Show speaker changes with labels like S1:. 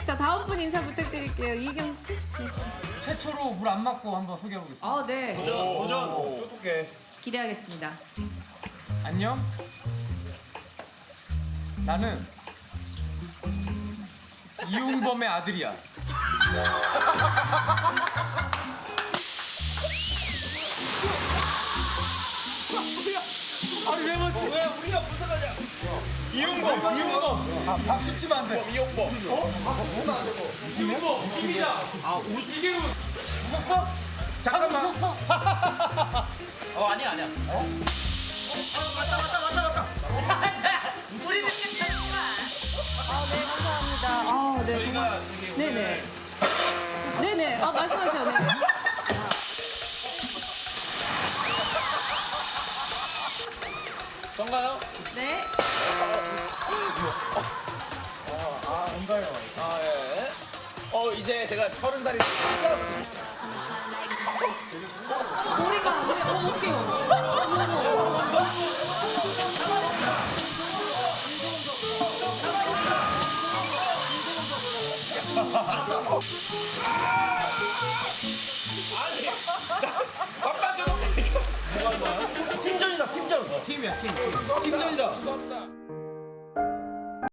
S1: 자, 다음 분 인사 부탁드릴게요. 이경 씨. 네.
S2: 최초로 물 안 맞고 한번 소개해 보겠습니다.
S1: 아, 네.
S3: 도전. 어떡해.
S1: 기대하겠습니다.
S2: 안녕. 나는 이웅범의 아들이야. 아니 왜 맞지?
S3: 왜 우리가 무슨 하냐? 이용범.
S4: 아, 박수 치면 안 돼.
S3: 이용범.
S2: 이웅범 웃깁니다. 이게 웃었어?
S4: 잠깐만.
S2: 웃었어?
S3: 아니야. 맞다.
S5: 우리는 괜찮구나.
S1: 아, 네, 감사합니다. 아, 네. 정말. 네네. 네네. 아, 말씀하세요. 네.
S3: 전가요?
S1: 네.
S3: 아 예. 이제 제가 30살이
S1: 머리가 네. 어떡해요.
S3: 바깥 줘도 팀전이다 팀전.
S2: 팀이야 팀.